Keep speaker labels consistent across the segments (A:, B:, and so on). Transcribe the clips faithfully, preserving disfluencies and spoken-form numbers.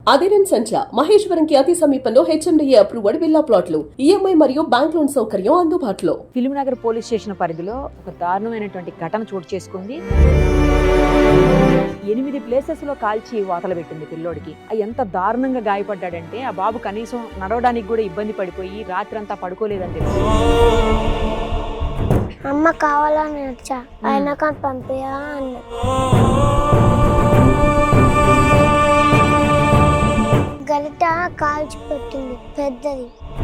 A: అదిరన్ సంచ మహేశ్వరం కి అతి సమీపంలో హెచ్ఎండిఏ అప్రూవ్డ్ విల్లా ప్లాట్లు ఈఎంఐ మరియు బ్యాంక్ లోన్ సౌకర్యం అందుబాటులో.
B: ఫిల్మ్ నగర్ పోలీస్ స్టేషన్ పరిధిలో ఒక దారుణమైనటువంటి ఘటన చోటు చేసుకుంది. ఎనిమిది ప్లేసెస్ లో కాల్చి వాతలు పెట్టింది పిల్లోడికి. ఎంత దారుణంగా గాయపడ్డాడంటే ఆ బాబు కనీసం నడవడానికి కూడా ఇబ్బంది పడిపోయి రాత్రంతా పడుకోలేదని తెలుసు.
C: అమ్మ కావాలని వచ్చా అయినా కానీ పంపేయా అన్న. గరిట కాల్చి పెట్టింది పెద్దది.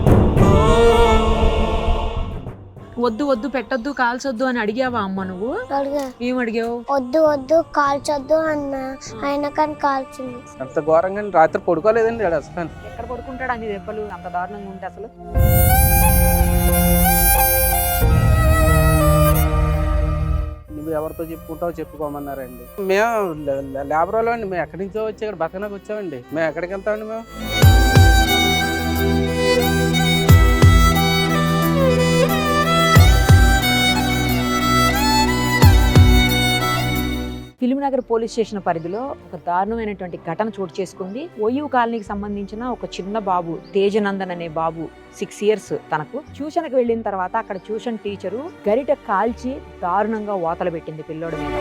B: వద్దు వద్దు పెట్టొద్దు కాల్చొద్దు అని అడిగావా అమ్మ నువ్వు?
C: అడిగా.
B: ఏం అడిగావు?
C: వద్దు వద్దు కాల్చొద్దు అన్న అయినా కానీ కాల్చింది.
D: అంత ఘోరంగా రాత్రి పడుకోలేదండి అసలు.
B: ఎక్కడ పడుకుంటాడు అన్ని దెబ్బలు అంత దారుణంగా ఉంటే అసలు?
D: నువ్వు ఎవరితో చెప్పుకుంటావు చెప్పుకోమన్నారండి. మేము లేబర్ వాళ్ళు అండి, మేము ఎక్కడి నుంచో వచ్చి ఇక్కడ బతకడానికి వచ్చామండి. మేము ఎక్కడికి వెళ్తామండి? మేము
B: ఫిల్మ్ నగర్ పోలీస్ స్టేషన్ పరిధిలో ఒక దారుణమైనటువంటి ఘటన చోటు చేసుకుంది. ఓయూ కాలనీకి సంబంధించిన ఒక చిన్న బాబు తేజనందన్ అనే బాబు సిక్స్ ఇయర్స్ తనకు ట్యూషన్కి వెళ్ళిన తర్వాత అక్కడ ట్యూషన్ టీచరు గరిట కాల్చి దారుణంగా వాతలు పెట్టింది పిల్లోడి మీద.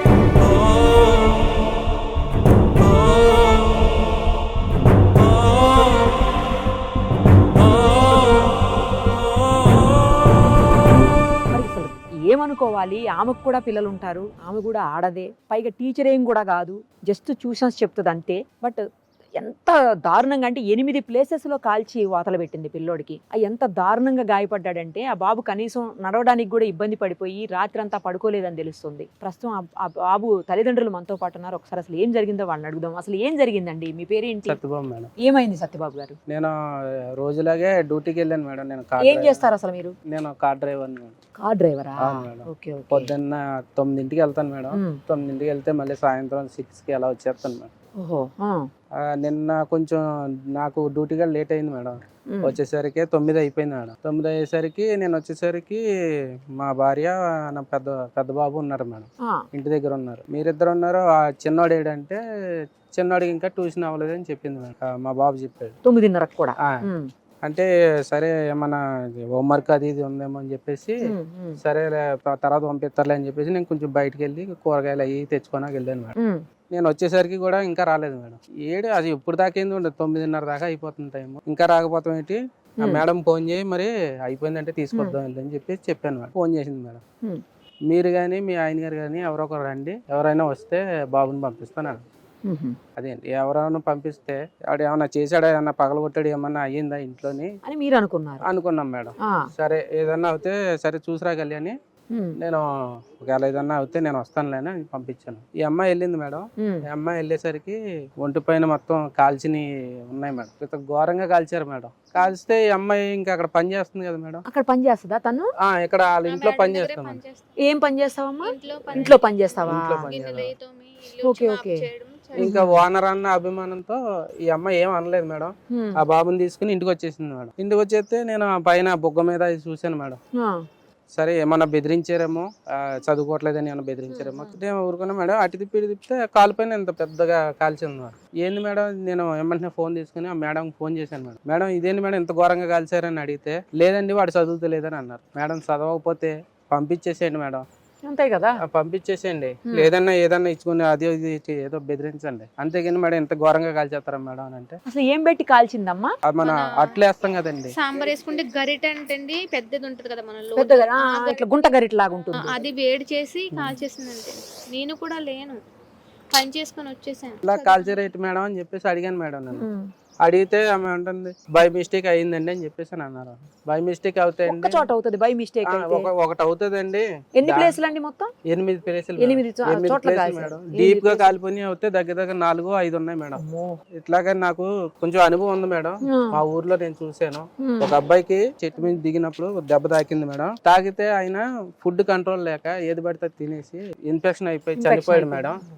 B: ఏమనుకోవాలి, ఆమెకు కూడా పిల్లలు ఉంటారు, ఆమె కూడా ఆడదే, పైగా టీచర్ ఏం కూడా కాదు, జస్ట్ ట్యూషన్స్ చెప్తుంది అంతే. బట్ ఎంత దారుణంగా అంటే ఎనిమిది ప్లేసెస్లో కాల్చి వాతలు పెట్టింది పిల్లోడికి. ఎంత దారుణంగా గాయపడ్డాడంటే ఆ బాబు కనీసం నడవడానికి కూడా ఇబ్బంది పడిపోయి రాత్రంతా పడుకోలేదని తెలుస్తుంది. ప్రస్తుతం ఆ బాబు తల్లిదండ్రులు మనతో పాటు ఉన్నారు. ఒకసారి అసలు ఏం జరిగిందో వాళ్ళని అడుగుదాం. అసలు ఏం జరిగిందండి? మీ పేరేంటి?
D: సత్యబాబు మేడం.
B: ఏమైంది సత్యబాబు గారు?
D: నేను రోజులాగే డ్యూటీకి వెళ్ళాను మేడం. నేను
B: ఏం చేస్తారు అసలు మీరు?
D: నేను కార్ డ్రైవర్ మేడం.
B: కార్ డ్రైవరా?
D: ఓకే. పొద్దున్న తొమ్మిదింటికి వెళ్తాను మేడం. తొమ్మిదింటికి వెళ్తే మళ్ళీ సాయంత్రం సిక్స్ కి అలా వచ్చేస్తాను మేడం.
B: ఓహో.
D: నిన్న కొంచెం నాకు డ్యూటీగా లేట్ అయింది మేడం. వచ్చేసరికి తొమ్మిది అయిపోయింది మేడం. తొమ్మిది అయ్యేసరికి నేను వచ్చేసరికి మా భార్య నా పెద్ద పెద్ద బాబు ఉన్నారు మేడం, ఇంటి దగ్గర ఉన్నారు. మీరిద్దరు ఉన్నారు. ఆ చిన్నోడు ఏడంటే చిన్నోడికి ఇంకా ట్యూషన్ అవ్వలేదు అని చెప్పింది మేడం. మా బాబు చెప్పాడు
B: తొమ్మిదిన్నరకు కూడా.
D: అంటే సరే ఏమన్నా హోంవర్క్ అది ఇది ఉందేమో అని చెప్పేసి సరే తర్వాత పంపిస్తారులే అని చెప్పేసి నేను కొంచెం బయటకు వెళ్ళి కూరగాయలు అవి తెచ్చుకోడానికి వెళ్ళాను మేడం. నేను వచ్చేసరికి కూడా ఇంకా రాలేదు మేడం. ఏడు అది ఇప్పుడు దాకా ఏంది ఉండదు, తొమ్మిదిన్నర దాకా అయిపోతుంది టైం. ఇంకా రాకపోతాం ఏంటి, మేడం ఫోన్ చేయి మరి అయిపోయిందంటే తీసుకొద్దాం అని చెప్పేసి చెప్పాను మేడం. ఫోన్ చేసింది మేడం. మీరు కానీ మీ ఆయన గారు కానీ ఎవరో ఒకరు రండి, ఎవరైనా వస్తే బాబుని పంపిస్తాను. అదేంటి ఎవరైనా పంపిస్తే వాడు ఏమన్నా చేశాడా, ఏమన్నా పగలగొట్టాడు, ఏమన్నా అయ్యిందా ఇంట్లోని
B: అని మీరు అనుకున్నారు? అనుకున్నాం
D: మేడం. సరే ఏదన్నా అవుతే సరే చూసిరాగలి అని నేను ఒకవేళ ఏదన్నా అవుతే నేను వస్తానులే అని పంపించాను. ఈ అమ్మాయి వెళ్ళింది మేడం. ఈ అమ్మాయి వెళ్ళేసరికి ఒంటి పైన మొత్తం కాల్చిని ఉన్నాయి మేడం. ఇంత ఘోరంగా కాల్చారు మేడం. కాల్స్తే ఈ అమ్మాయి ఇంకా అక్కడ పని చేస్తుంది కదా మేడం.
B: అక్కడ పని చేస్తుందా తను?
D: ఇక్కడ వాళ్ళ ఇంట్లో పని చేస్తాం.
B: ఏం పని చేస్తావమ్మా? ఇంట్లో పని చేస్తావా? Okay okay.
D: ఇంకా ఓనర్ అన్న అభిమానంతో ఈ అమ్మాయి ఏం అనలేదు మేడం. ఆ బాబుని తీసుకుని ఇంటికి వచ్చేసింది మేడం. ఇంటికి వచ్చేస్తే నేను పైన బొగ్గ మీద చూశాను మేడం. సరే ఏమన్నా బెదిరించారేమో, చదువుకోవట్లేదని ఏమన్నా బెదిరించారేమో ఊరుకున్నా మేడం. అటు తిప్పి ఇటు తిప్పితే కాలు పైన ఇంత పెద్దగా కాల్చింది మేడం. ఏంది మేడం, నేను ఏమంటే ఫోన్ తీసుకుని ఆ మేడం ఫోన్ చేశాను మేడం. మేడం ఇదేంటి మేడం ఇంత ఘోరంగా కాల్చారని అడిగితే లేదండి వాడు చదువుతలేదని అన్నారు. మేడం చదవకపోతే పంపించేసేయండి మేడం.
B: అంతే కదా,
D: పంపించేసేయండి. లేదన్నా ఏదన్నా ఇచ్చుకుని అది ఏదో బెదిరించండి, అంతేగాని మేడం ఎంత ఘోరంగా కాల్చేస్తారా మేడం అని అంటే.
B: అసలు ఏం పెట్టి కాల్చిందమ్మా?
D: మన అట్లేస్తాం కదండి,
E: సాంబార్ వేసుకుంటే గరిట అంటే పెద్దది ఉంటది కదా మనలో,
B: ఇట్లా గుంట గరిట లాగా ఉంటుంది,
E: అది వేడి చేసి కాల్చేసిందంటే. నేను కూడా లేను, పని చేసుకుని వచ్చేసాను.
D: ఇలా కాల్చేరేటి మేడం అని చెప్పేసి అడిగాను మేడం. నేను అడిగితే ఆమె అంటుంది బై మిస్టేక్ అయ్యిందండి అని చెప్పేసి అన్నారు. బై మిస్టేక్ అవుతాయండి,
B: చోట అవుతుంది బై మిస్టేక్,
D: ఒకటి అవుతుందండి.
B: ఎన్ని ప్లేసులు అండి మొత్తం?
D: ఎనిమిది ప్లేసులు.
B: ఎనిమిది
D: మేడం. డీప్ గా కాలిపోయి అవుతే దగ్గర దగ్గర నాలుగు ఐదు ఉన్నాయి మేడం. ఇట్లాగా నాకు కొంచెం అనుభవం ఉంది మేడం. మా ఊర్లో నేను చూసాను, ఒక అబ్బాయికి చెట్టు మీద దిగినప్పుడు దెబ్బ తాకింది మేడం. తాకితే ఆయన ఫుడ్ కంట్రోల్ లేక ఏది పడితే తినేసి ఇన్ఫెక్షన్ అయిపోయి చనిపోయాడు మేడం.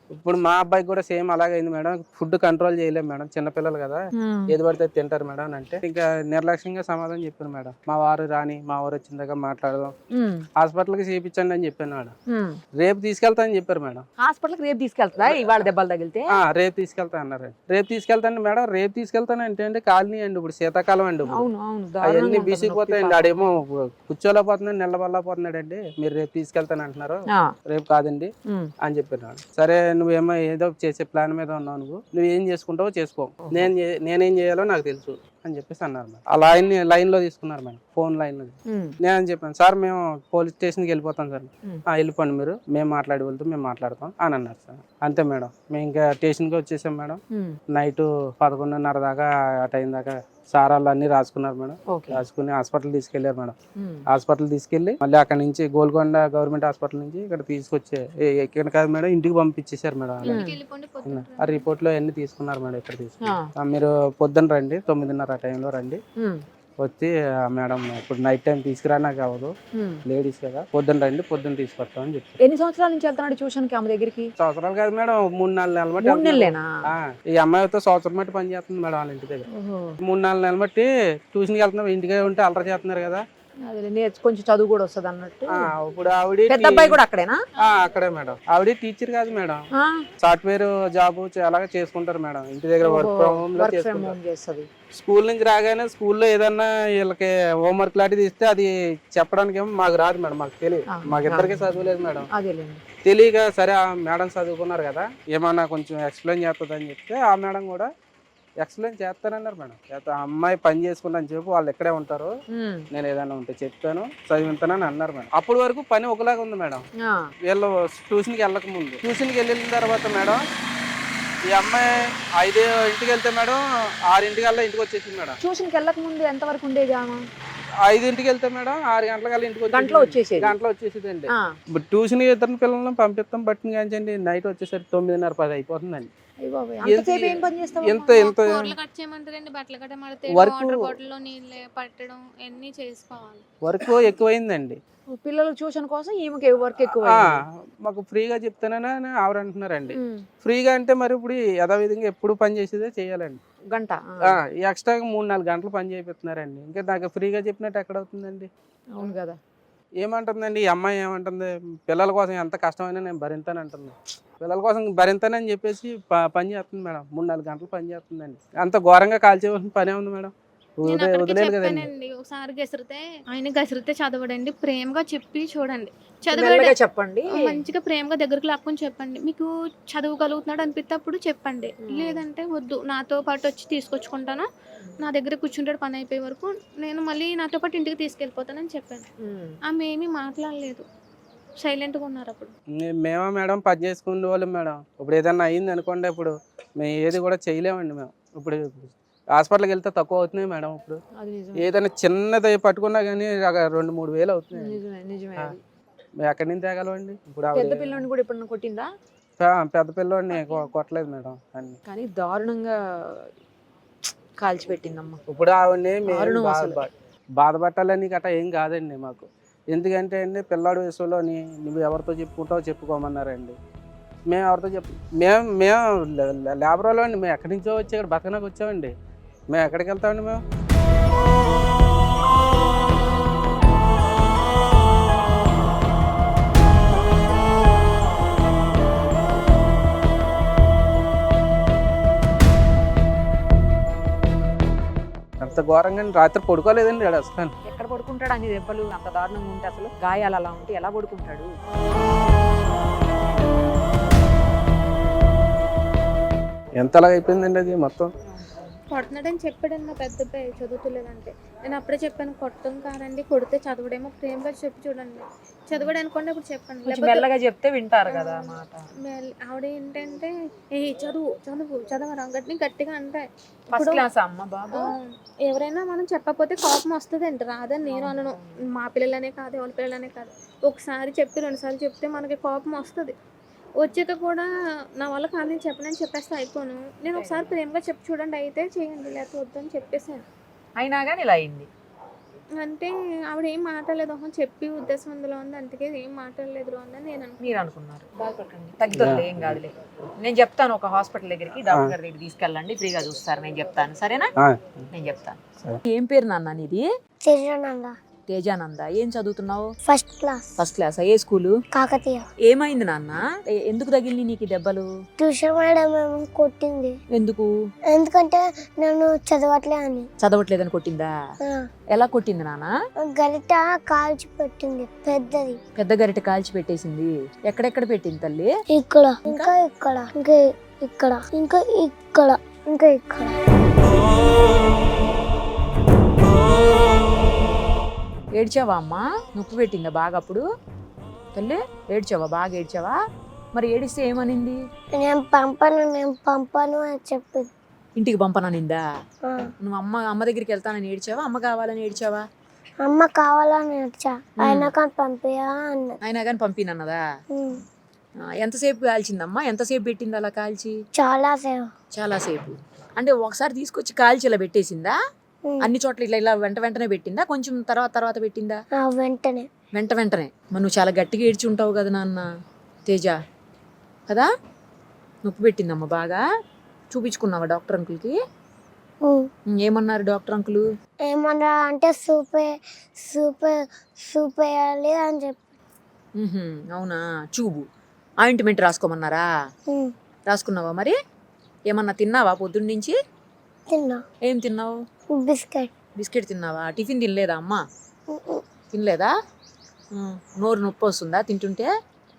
D: ఇప్పుడు మా అబ్బాయికి కూడా సేమ్ అలాగే అయింది మేడం. ఫుడ్ కంట్రోల్ చేయలేము మేడం, చిన్నపిల్లలు కదా, ఏది పడితే అది తింటారు మేడం అని అంటే ఇంకా నిర్లక్ష్యంగా సమాధానం చెప్పాను మేడం. మా వారు రాని, మా వారు వచ్చిన దగ్గర మాట్లాడదాం, హాస్పిటల్కి చేయించండి అని చెప్పాను మేడం. రేపు తీసుకెళ్తా అని చెప్పారు మేడం.
B: హాస్పిటల్కి రేపు తీసుకెళ్తా ఇవాళ దెబ్బలు తగిలితే
D: ఆ, రేపు తీసుకెళ్తా అన్నారు. రేపు తీసుకెళ్తాను మేడం. రేపు తీసుకెళ్తాను అంటే అండి కాలనీ అండి, ఇప్పుడు శీతాకాలం అండి,
B: అవును అవును
D: అవన్నీ బీసిపోతాయండి. ఆడేమో కూర్చోలేకపోతున్నాడు, నిలబడలేకపోతున్నాడు అండి. మీరు రేపు తీసుకెళ్తాను అంటున్నారు, రేపు కాదండి అని చెప్పాను. సరే నువ్వేమో ఏదో చేసే ప్లాన్ మీద ఉన్నావు, నువ్వు నువ్వు ఏం చేసుకుంటావో చేసుకో, నేను చే- నేనేం చేయాలో నాకు తెలుసు అని చెప్పేసి అన్నారు మేడం. ఆ లైన్ లైన్ లో తీసుకున్నారు మేడం, ఫోన్ లైన్ లో. నేను చెప్పాను, సార్ మేము పోలీస్ స్టేషన్కి వెళ్ళిపోతాం సార్. ఆ, వెళ్ళిపోండి మీరు, మేము మాట్లాడి వెళ్తాం, మేము మాట్లాడతాం అని అన్నారు సార్. అంతే మేడం, మేము ఇంకా స్టేషన్కి వచ్చేసాం మేడం. నైట్ పదకొండున్నర దాకా ఆ టైం దాకా సార్ వాళ్ళు అన్ని రాసుకున్నారు మేడం. రాసుకుని హాస్పిటల్ తీసుకెళ్లారు మేడం. హాస్పిటల్ తీసుకెళ్లి మళ్ళీ అక్కడ నుంచి గోల్కొండ గవర్నమెంట్ హాస్పిటల్ నుంచి ఇక్కడ తీసుకొచ్చే ఇక్కడ కాదు మేడం, ఇంటికి పంపించేశారు మేడం. ఆ రిపోర్ట్ లో అన్ని తీసుకున్నారు మేడం. ఇక్కడ తీసుకున్నారు. మీరు పొద్దున్న రండి, తొమ్మిదిన్నర ఆ టైంలో రండి, వచ్చి మేడం ఇప్పుడు నైట్ టైం తీసుకురా నాకు అవ్వదు, లేడీస్ కదా, పొద్దున్న రండి, పొద్దున్న తీసుకొస్తామని చెప్పి.
B: ఎన్ని సంవత్సరాల నుంచి వెళ్తున్నాడు ట్యూషన్ కి ఆమె దగ్గరికి?
D: సంవత్సరాలు కాదు మేడం, మూడు నాలుగు నెలల
B: మూడు నెలలేనా?
D: బట్టి ఈ అమ్మాయితో సంవత్సరం బట్టి పని చేస్తుంది మేడం వాళ్ళ ఇంటి దగ్గర. మూడు నాలుగు నెలల బట్టి ట్యూషన్కి వెళ్తున్నాం, ఇంటికి ఉంటే అల్లరి చేస్తున్నారు కదా,
B: అదే నేర్చు కొంచెం చదువు కూడా వస్తుంది అన్నట్టు.
D: ఇప్పుడు ఆవిడ
B: పెద్ద అబ్బాయి కూడా అక్కడేనా?
D: అక్కడే మేడం. ఆవిడ టీచర్ కాదు మేడం, సాఫ్ట్వేర్ జాబ్ అలాగే చేసుకుంటారు మేడం, ఇంటి దగ్గర వర్క్ ఫ్రమ్ హోమ్ లో చేసుకుంటారు. స్కూల్ నుంచి రాగానే స్కూల్లో ఏదన్నా వీళ్ళకి హోంవర్క్ లాంటిది ఇస్తే అది చెప్పడానికి ఏమో మాకు రాదు మేడం, మాకు తెలియదు, మాకు ఇద్దరికి చదువులేదు మేడం. తెలియక సరే ఆ మేడం చదువుకున్నారు కదా, ఏమన్నా కొంచెం ఎక్స్ప్లెయిన్ చేస్తుంది అని చెప్తే ఆ మేడం కూడా ఎక్స్ప్లెయిన్ చేస్తానన్నారు మేడం. ఆ అమ్మాయి పని చేసుకుంటాను చెప్పి వాళ్ళు ఎక్కడే ఉంటారు, నేను ఏదైనా ఉంటే చెప్తాను చదివిస్తానని అన్నారు మేడం. అప్పటి వరకు పని ఒకలాగా ఉంది మేడం. వీళ్ళు ట్యూషన్కి వెళ్ళక ముందు, ట్యూషన్కి వెళ్ళిన తర్వాత మేడం ఈ అమ్మాయి ఐదు ఇంటికి వెళ్తే మేడం ఆరింటికల్లా ఇంటికి వచ్చేసింది మేడం.
B: ట్యూషన్కి వెళ్ళక ముందు ఎంత వరకు ఉండేది?
D: ఐదింటికి వెళ్తే మేడం ఆరు గంటలకల్లా ఇంటికి
B: గంటలో వచ్చేసేది.
D: గంటలో వచ్చేసేది అండి. ట్యూషన్ ఇద్దరు పిల్లలను పంపిస్తాం బట్టి కాంచండి, నైట్ వచ్చేసరికి తొమ్మిదిన్నర పది అయిపోతుందండి.
B: ఎంత ఎంత
D: వర్క్ ఎక్కువైందండి.
B: పిల్లల ట్యూషన్ కోసం ఈమెకి వర్క్ ఎక్కువ.
D: మాకు ఫ్రీగా చెప్తానని ఆవిడ అంటున్నారండి. ఫ్రీగా అంటే మరి ఇప్పుడు యథావిధంగా ఎప్పుడు పని చేసేదే చేయాలండి.
B: గంట
D: ఎక్స్ట్రా మూడు నాలుగు గంటలు పని చేపిస్తున్నారండి. ఇంకా నాకు ఫ్రీగా చెప్పినట్టు ఎక్కడ అవుతుందండి?
B: అవును కదా.
D: ఏమంటుందండి ఈ అమ్మాయి, ఏమంటుంది పిల్లల కోసం ఎంత కష్టమైనా నేను భరింతాను అంటుంది. పిల్లల కోసం భరింతానని చెప్పేసి పని చేస్తుంది మేడం. మూడు నాలుగు గంటలు పని చేస్తుందండి. అంత ఘోరంగా కాల్చేవలసిన పనే ఉంది మేడం.
E: చెప్పానండి ఒకసారి గసిరితే ఆయన గసిరితే చదవడండి, ప్రేమగా చెప్పి చూడండి, చదవడం
B: చెప్పండి,
E: మంచిగా ప్రేమగా దగ్గరకు లాక్కుని చెప్పండి. మీకు చదవగలుగుతున్నాడు అనిపిస్తే అప్పుడు చెప్పండి, లేదంటే వద్దు, నాతో పాటు వచ్చి తీసుకొచ్చుకుంటాను, నా దగ్గర కూర్చుంటాడు పని అయిపోయే వరకు, నేను మళ్ళీ నాతో పాటు ఇంటికి తీసుకెళ్ళిపోతానని చెప్పాను. ఆమె ఏమీ మాట్లాడలేదు, సైలెంట్గా ఉన్నారు. అప్పుడు
D: మేమా మేడం పని చేసుకునే వాళ్ళం మేడం. ఇప్పుడు ఏదన్నా అయింది అనుకోండి, ఇప్పుడు మేము ఏది కూడా చేయలేమండి. మేము ఇప్పుడు హాస్పిటల్కి వెళ్తే తక్కువ అవుతున్నాయి మేడం. ఇప్పుడు ఏదైనా చిన్నది పట్టుకున్నా కానీ రెండు మూడు వేలు అవుతున్నాయి. మేము ఎక్కడి నుంచి తేగలమండి? ఇప్పుడు
B: పెద్ద పిల్లని కూడా ఇప్పుడు కొట్టిందా?
D: పెద్ద పిల్లోడిని కొట్టలేదు మేడం, అన్ని
B: కానీ దారుణంగా కాల్చిపెట్టిందమ్మా.
D: ఇప్పుడు ఆవిడని బాధపట్టాలని గట్రా ఏం కాదండి మాకు. ఎందుకంటే అండి పిల్లాడి వయసులోని నువ్వు ఎవరితో చెప్పుకుంటావో చెప్పుకోమన్నారండి. మేము ఎవరితో చెప్పు మేము మేము లేబర్ వాళ్ళు అండి, మేము ఎక్కడి నుంచో వచ్చి ఇక్కడ బతకడానికి వచ్చామండి. మేము ఎక్కడికి వెళ్తామండి? మేము అంత ఘోరంగా రాత్రి పడుకోలేదండి అసలు.
B: ఎక్కడ పడుకుంటాడు? అన్ని దెబ్బలు అంత దారుణంగా ఉంటే, అసలు గాయాలు అలా ఉంటే ఎలా పడుకుంటాడు?
D: ఎంతలాగా అయిపోయిందండి అది మొత్తం.
E: కొడుతున్నాడని చెప్పాడు మా పెద్ద అబ్బాయి, చదువుతులేదంటే నేను అప్పుడే చెప్పాను, కొట్టం కాదండి, కొడితే చదవడేమో, ప్రేమగా చెప్పి చూడండి, చదవడం అనుకోండి అప్పుడు చెప్పండి,
B: మెల్లగా చెప్తే వింటారు కదా మాట.
E: ఆవిడ ఏంటంటే ఏ చదువు చదువు చదవరా గట్టి గట్టిగా అంటే ఎవరైనా మనం చెప్పకపోతే కోపం వస్తుంది అంట, రాదని నేను అనను. మా పిల్లలనే కాదు, ఎవరి పిల్లలనే కాదు, ఒకసారి చెప్పి రెండు సార్లు చెప్తే మనకి కోపం వస్తుంది. వచ్చాక కూడా నా వల్ల కాదని చెప్పనని చెప్పేస్తే అయిపోను, నేను ఒకసారి ప్రేమగా చెప్పి చూడండి అయితే చేయండి, లేకపోతే వద్దని చెప్పేసాను.
B: అయినా కానీ ఇలా అయింది.
E: అంటే ఆవిడ ఏం మాట్లాడలేదు, ఒక చెప్పి ఉద్దేశం అందులో ఉంది, అందుకే ఏం మాట్లాడలేదు అని నేను అనుకున్నాను.
B: మీరు అనుకున్నారు, బాధపడకండి, తగ్గుతుంది, ఏం కాదులే. నేను చెప్తాను ఒక హాస్పిటల్ దగ్గరికి, డాక్టర్ గారి దగ్గరికి తీసుకెళ్ళండి, ఫ్రీగా చూస్తారు, నేను చెప్తాను, సరేనా? నేను చెప్తాను. ఏం పేరు నాన్న నీది?
C: తిరునంద
B: తేజానంద. ఏం చదువుతున్నావు?
C: First class.
B: First class. ఏ స్కూలు?
C: కాకతీయ.
B: ఏమైంది నాన్న? ఎ- ఎందుకు తగిలి నీకు ఈ దెబ్బలు?
C: ట్యూషన్ మేడం ఏమో కొట్టింది.
B: ఎందుకు?
C: ఎందుకంటే నేను చదవట్లే అని.
B: చదవట్లేదని కొట్టిందా?
C: ఆ,
B: ఎలా కొట్టింది నాన్న?
C: గరిట కాల్చి పెట్టింది పెద్దది.
B: పెద్ద గరిట కాల్చి పెట్టేసింది. ఎక్కడెక్కడ పెట్టింది తల్లి?
C: ఇక్కడ ఇంకా ఇక్కడ ఇంకా ఇక్కడ ఇంకా ఇక్కడ ఇంకా ఇక్కడ.
B: ఏడ్చావా అమ్మా? నొప్పి పెట్టిందా బాగా అప్పుడు? తల్లి ఏడ్చావా? బాగా ఏడ్చావా? మరి ఏడిస్తే ఏమనింది?
C: నేను పంపను నేను పంపను అని చెప్పింది.
B: ఇంటికి పంపననిందా?
C: ఆ,
B: నువ్వు అమ్మ అమ్మ దగ్గరికి వెళ్తానని ఏడ్చావా? అమ్మ కావాలని ఏడ్చావా?
C: అమ్మ కావాలని వచ్చా, అయినా కానీ పంపియా అన్నది.
B: అయినా కానీ పంపినన్నదా?
C: ఉమ్,
B: ఆ, ఎంతసేపు కాల్చిందమ్మా? ఎంతసేపు పెట్టింది అలా కాల్చి?
C: చాలా సేవ.
B: చాలాసేపు. అంటే ఒకసారి తీసుకొచ్చి కాల్చి ఇలా పెట్టేసిందా? అన్ని చోట్ల ఇట్లా ఇలా వెంట వెంటనే పెట్టిందా? కొంచెం తర్వాత తర్వాత పెట్టిందా?
C: ఆ, వెంటనే
B: వెంట వెంటనే. మరి నువ్వు చాలా గట్టిగా ఏడ్చి ఉంటావు కదా నాన్న తేజ, కదా? నొప్పి పెట్టిందమ్మా బాగా. చూపించుకున్నావా డాక్టర్ అంకుల్కి?
C: ఉమ్.
B: ఉమ్, ఏమన్నారు డాక్టర్ అంకులు?
C: ఏమన్నా అంటే సూప్ సూప్ సూప్ వేయాలి అని చెప్పి.
B: ఉహుం, అవునా? చూబు ఆయింట్మెంట్ రాసుకోమన్నారా?
C: ఉమ్,
B: రాసుకున్నావా? మరి ఏమన్నా తిన్నావా పొద్దున్న నుంచి?
C: తిన్నా.
B: ఏం తిన్నావు?
C: బిస్కెట్.
B: బిస్కెట్ తిన్నావా? టిఫిన్ తినలేదా అమ్మా?
C: ఉమ్, ఉమ్.
B: తినలేదా? ఉమ్, నోరు నొప్పి వస్తుందా తింటుంటే?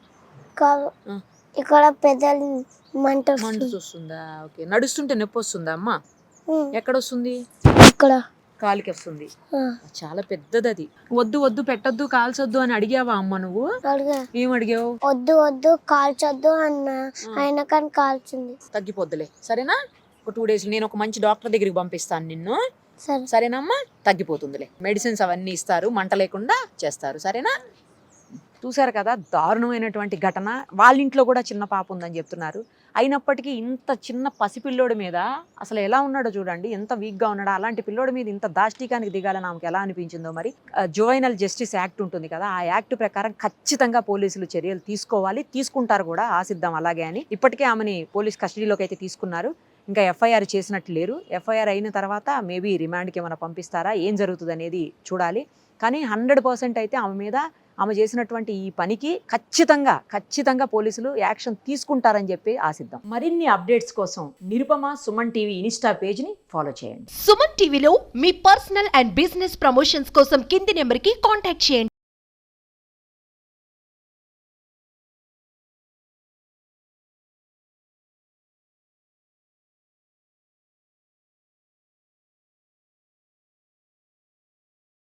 C: కాదు,
B: ఆ.
C: ఇక్కడ పెద్దలు మంట
B: మంట
C: వస్తుంది.
B: వస్తుందా? ఓకే. నడుస్తుంటే నొప్పి వస్తుందా అమ్మా?
C: ఉమ్,
B: ఎక్కడ వస్తుంది?
C: ఇక్కడ.
B: కాలికి వస్తుంది.
C: ఆ,
B: చాలా పెద్దది అది. వద్దు వద్దు పెట్టొద్దు కాల్చొద్దు అని అడిగావా అమ్మ నువ్వు?
C: అడిగా.
B: ఏం అడిగావు?
C: వద్దు వద్దు కాల్చొద్దు అన్న, అయినా కానీ కాల్చింది.
B: తగ్గిపోద్దులే, సరేనా? ఒక టూ డేస్ నేను ఒక మంచి డాక్టర్ దగ్గరికి పంపిస్తాను నిన్ను,
C: సరే.
B: సరేనమ్మా? తగ్గిపోతుందిలే. మెడిసిన్స్ అవన్నీ ఇస్తారు, మంట లేకుండా చేస్తారు, సరేనా? చూసారు కదా, దారుణమైనటువంటి ఘటన. వాళ్ళ ఇంట్లో కూడా చిన్న పాప ఉందని చెప్తున్నారు. అయినప్పటికీ ఇంత చిన్న పసిపిల్లోడి మీద అసలు ఎలా ఉన్నాడో చూడండి, ఎంత వీక్గా ఉన్నాడో. అలాంటి పిల్లోడి మీద ఇంత దాష్టికానికి దిగాలని ఆమెకు ఎలా అనిపించిందో మరి. జువైనల్ జస్టిస్ యాక్ట్ ఉంటుంది కదా, ఆ యాక్ట్ ప్రకారం ఖచ్చితంగా పోలీసులు చర్యలు తీసుకోవాలి, తీసుకుంటారు కూడా, ఆశిద్దాం అలాగే అని. ఇప్పటికే ఆమెని పోలీస్ కస్టడీలోకి అయితే తీసుకున్నారు. ఇంకా ఎఫ్ఐఆర్ చేసినట్లు లేరు. ఎఫ్ఐఆర్ అయిన తర్వాత మేబీ రిమాండ్కి ఏమైనా పంపిస్తారా, ఏం జరుగుతుంది అనేది చూడాలి. కానీ హండ్రెడ్ పర్సెంట్ అయితే ఆమె మీద, ఆమె చేసినటువంటి ఈ పనికి ఖచ్చితంగా ఖచ్చితంగా పోలీసులు యాక్షన్ తీసుకుంటారని చెప్పి ఆశిద్దాం. మరిన్ని అప్డేట్స్ కోసం నిరుపమ సుమన్ టీవీ ఇన్స్టా పేజ్ని ఫాలో చేయండి.
F: సుమన్ టీవీలో మీ పర్సనల్ అండ్ బిజినెస్ ప్రమోషన్స్ కోసం కింది నెంబర్కి కాంటాక్ట్ చేయండి.